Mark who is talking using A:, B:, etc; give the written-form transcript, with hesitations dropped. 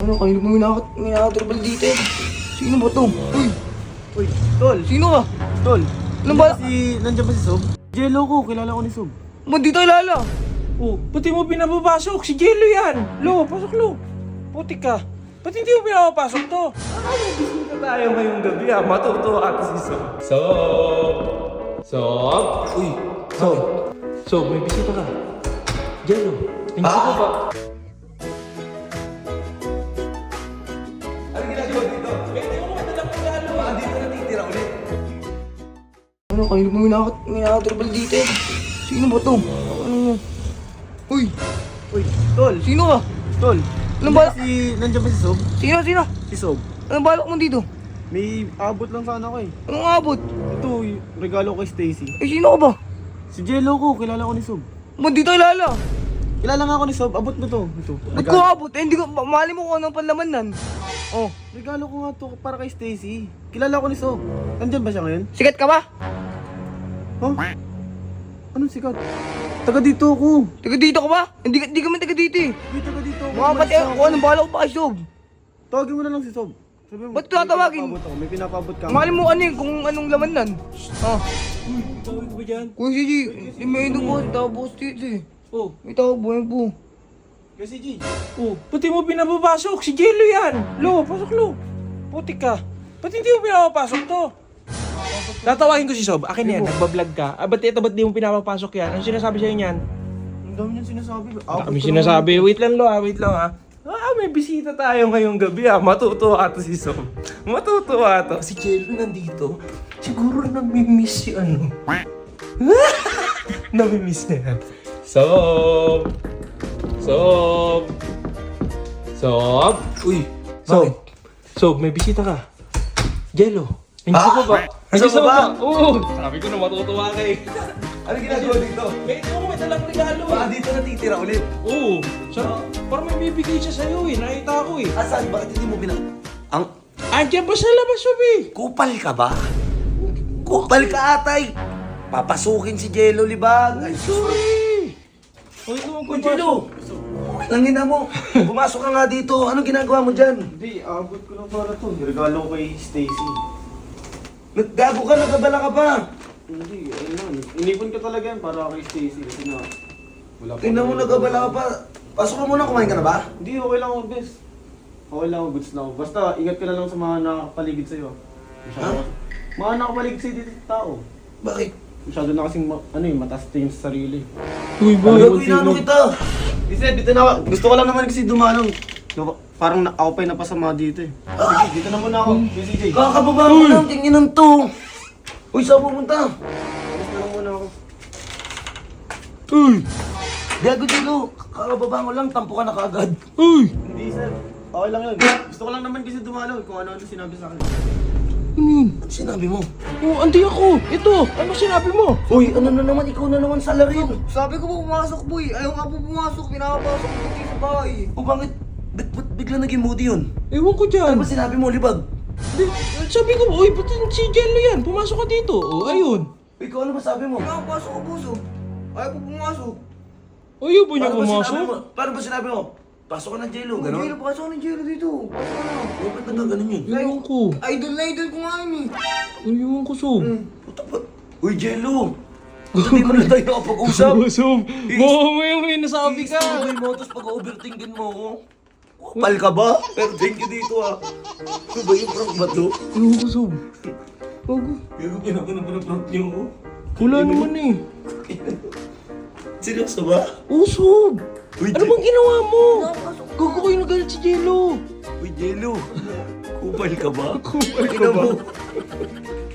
A: Ano, kanina mo minakatrabal dito eh. Sino ba to? Uy!
B: Uy, tol!
A: Sino ka?
B: Tol!
A: Ano ba?
B: Nandiyan ba si Sob? Jello ko, kilala ko ni Sob.
A: Ba't di tayo lala?
C: Oh, pati mo pinapapasok. Si Jello yan. Lo, pasok lo. Putik ka. Ba't hindi mo pinapapasok to?
B: Bisita tayo ngayong gabi matutuwa at si Sob.
C: Sob? Uy, Sob. Sob, may bisita ka. Jello, tingin ko ba?
B: Ano ginagawa dito? Dito natitira ulit.
A: Ano, kanina mo minakatrabal dito eh. Sino ba to? Ano? Uy!
B: Uy, tol!
A: Sino ka?
B: Tol!
A: Ano ba?
B: Nandiyan ba si Sob?
A: Sino?
B: Si Sob.
A: Anong balak mo dito?
B: May abot lang sana ko eh.
A: Anong abot?
B: Ito, yung regalo ko kay Stacy.
A: Eh, sino ka ba?
B: Si Jello ko, kilala ko ni Sob.
A: Ba't di tayo lala?
B: Kilala nga ako ni Sob, abot mo to. Ito.
A: Ba't ko abot? Eh, hindi ko, mali mo kung anong panlaman nan. Oh,
B: Regalo ko nga to para kay Stacy. Kilala ko ni Sob. Nandyan ba siya ngayon?
A: sikat ka ba?
B: Huh? Anong sikat? Taga dito ako.
A: Taga dito ka ba? Hindi ka man taga dito eh.
B: Uy, taga dito ako.
A: Mga pati ako, anong balak ko pa kay Sob?
B: Tawagin mo na lang si Sob. Sabi mo,
A: Ba't tatawagin?
B: May pinapabot ka.
A: Mali mo ano eh, kung anong laman nan. Oh,
C: Tawag ko ba dyan?
A: Kuya Gigi, may ino po, tapos dito eh.
C: Oh,
A: May tawag po, yan po.
B: Kasi G.
C: oh, pati mo pinapapasok. Si Jello yan. Lo, pasok lo. Putik ka. Ba't hindi mo pinapapasok to? Tatawagin ko si Sob. Akin yan, nagbablog ka. Ba't di mo pinapapasok yan? Ano sinasabi sa'yo niyan?
B: Ang dami niyang sinasabi.
C: Kami sinasabi. Wait lang ha. May bisita tayo ngayong gabi Matutuwa to si Sob. Matutuwa to. Si Jello nandito. Siguro namimiss si ano. Namimiss na yan. Sob! Uy!
A: Bakit?
C: Sob, may bisita ka. Jello. Hindi ko ba?
B: Gusto mo ba?
C: Oo! Sabi ko na matutuwa ka eh.
B: Ano ginagawa dito?
C: May dalang regalo
B: Baka dito natitira ulit.
C: Oo! Parang may bibigay siya sa'yo eh. Nakita ko eh.
B: Asan? Bakit hindi mo Ang
C: Andiyan ba sa labas, Sob eh?
B: kupal ka ba? Kupal ka atay! Papasukin si Jello Libag. Ay,
C: Sorry! Uy, naman
B: Uy, Jello! Langina mo. Pumasok ka nga dito. Anong ginagawa mo dyan?
D: Hindi, abot ko lang para to. Regalo ko kay Stacy.
B: Naggago ka, nagabala ka pa.
D: Hindi, ayun lang. Inipon ko talaga yan para kay Stacy kasi na wala pa.
B: Tingnan mo, nagabala ka pa. Pasok ka muna, kumain ka na ba?
D: Hindi, okay lang ako, bes. Okay lang ako, goods na ako. Basta ingat ka na lang sa mga nakapaligid sa'yo.
B: Ha?
D: Mga nakapaligid sa'yo dito sa tao.
B: Bakit?
D: Masyado na kasing mataas tingin sa sarili.
C: Uy,
B: Gagawin na ano kita.
D: Kasi dito na ako. Gusto ko lang naman kasi dumanong. Parang ako pa yung napasama dito eh. Sige, dito na muna ako. Busy J.
B: Kakababa mo lang, tingin to. Uy, saan pupunta?
D: Alis na lang muna ako.
C: Uy!
B: Gago dito. Kakababa mo lang, tampo ka na kaagad.
C: Uy!
D: Hindi sir. Okay lang yun. Gusto ko lang naman kasi dumalaw kung ano-ano sinabi sa akin.
B: Ano sinabi mo?
C: Oh, andi ako! Ito! Ano sinabi mo?
B: Uy, ano na naman, ikaw na naman salarin.
A: Sabi ko po pumasok boy, ayaw nga po pumasok, pinapapasok ko dito sa bahay.
B: O bakit? Ba't bigla naging moody yun?
C: Ewan ko dyan.
B: Ano ba sinabi mo, Libag?
C: Sabi ko, uy, ba't si Jello yan? Pumasok ka dito. Oh, ayun.
B: Ikaw ano ba sabi mo?
A: Pinapapasok ko puso, ayaw po pumasok.
C: Ayaw ba niya
B: Paano ba sinabi
C: pumasok?
B: mo? Paano ba sinabi mo? Pasok ka ng Jello,
A: Gano'n?
B: gano'n?
A: Pasok ng Jero dito, pasok ka na.
B: O, ba't ba ganun yun?
C: Ewan ko.
A: Idol na idol ko nga yun eh.
C: Ewan ko, Sob.
B: Puta ba? Uy, Jello! Hindi mo na tayo nakapag-usap.
C: Sob. Mo may nasabi ka.
B: Isipin mo, tapos pag-overthinkin mo ako. Kupal ka ba? Pero thank you dito ah. Ano ba yung prank ba to?
C: Ewan ko, Sob. Bago.
B: Yung ginagawa ng prank niyo ko.
C: Wala naman eh.
B: Seryoso ba?
C: Oh, Sob.
B: Uy,
C: Ano bang ginawa mo? Gago kayo nagalit si Jello.
B: Uy, Jello. Kupal ka ba?
C: Kupal ka
B: Tingnan
C: ba?
B: mo.